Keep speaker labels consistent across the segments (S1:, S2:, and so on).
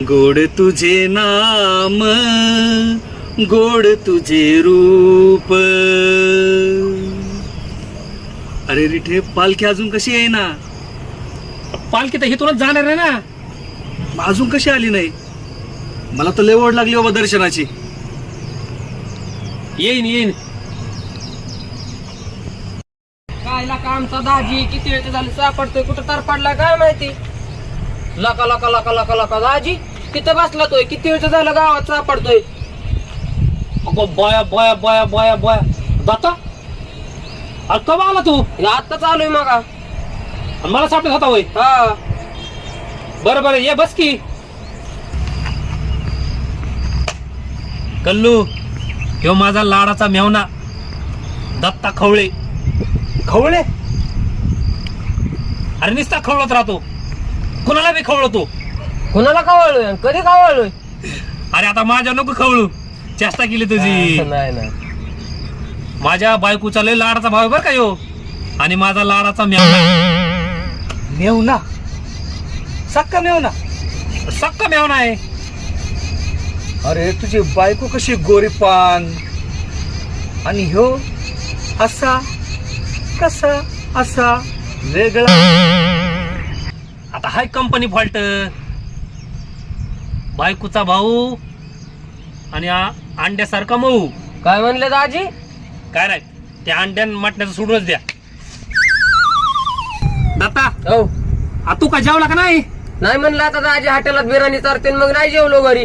S1: गोड तुझे नाम, गोड तुझे रूप. अरे रिठे, पालखी अजून कशी आहे ना?
S2: पालखी तर इथूनच जाणार आहे ना.
S1: मग अजून कशी आली नाही? मला तर लय ओढ लागली बाबा दर्शनाची.
S2: येईन येईन.
S3: कायला का आमचा दाजी किती वेळ झालं सापडतोय, कुठं तर पडला काय माहिती. लका लका लका लका लका दाजी तिथं बसला तोय, किती वेळ झालं गावात सापडतोय.
S2: अगो बया बया बया बया बया दाता, अरे कवा आला तू?
S3: आता चालूय मग.
S2: आणि मला सापडत होता होय?
S3: हा
S2: बरं बरं, ये बस की. कल्लू, ह्यो माझा लाडाचा मेवना दत्ता खवळे.
S1: खवळे?
S2: अरे नुसता खवळत राहतो, कुणाला बी खवळतो.
S3: कुणाला कावळलोय, कधी कावळलोय?
S2: अरे आता माझ्या नको खवळू, चेष्टा केली तुझी.
S3: नाही नाही,
S2: माझ्या बायकोचा लय लाडाचा भाव आहे बरं का ह्यो, आणि माझा लाडाचा मेवना.
S1: मेवना? सक्का मेवना?
S2: सक्का मेवना आहे.
S1: अरे तुझी बायको कशी गोरीपान, आणि ह्यो असा कसा असा वेगळा.
S2: आता हाय कंपनी फॉल्ट. बायकोचा भाऊ आणि अंड्यासारखा मऊ.
S3: काय म्हणले दाजी?
S2: काय नाही, त्या अंड्यान मटण्याचं सोडूनच द्या. दत्ता,
S3: हो
S2: तू का जेवला का नाही?
S3: नाही म्हणलं आता दाजी हॉटेलात बिर्याणी चारते, मग नाही जेवलो घरी.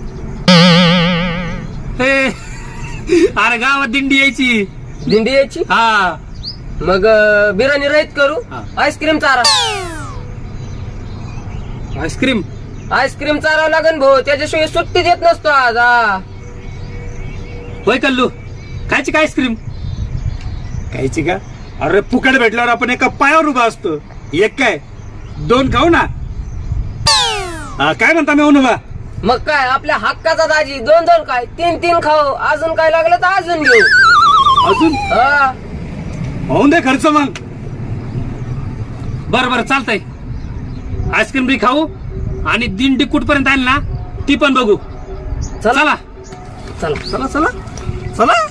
S2: हे, अरे गावात दिंडी यायची.
S3: दिंडी यायची,
S2: हा
S3: मग बिर्याणी रहित करू.
S2: हा.
S3: आईस्क्रीम चारा,
S2: आईस्क्रीम.
S3: आईस्क्रीम चारावं लागेल भाऊ, त्याच्याशिवाय सुट्टी देत नसतो आज.
S2: होय कल्लू, खायची का आईस्क्रीम?
S1: खायची का? अरे फुकट भेटल्यावर आपण एका पायावर उभा असतो. एक काय दोन खाऊ ना. काय म्हणता मेवनोबा?
S3: मग काय आपल्या हक्काचा दाजी, दोन दोन काय तीन तीन खाऊ, अजून काय लागलं तर अजून घेऊ.
S1: अजून
S3: हा
S1: होऊन दे खर्च मग.
S2: बरं बरं चालतंय. आईस्क्रीम बी खाऊ आणि दिंडी कुठपर्यंत आली ना ती पण बघू. चला
S3: चला
S1: चला चला चला.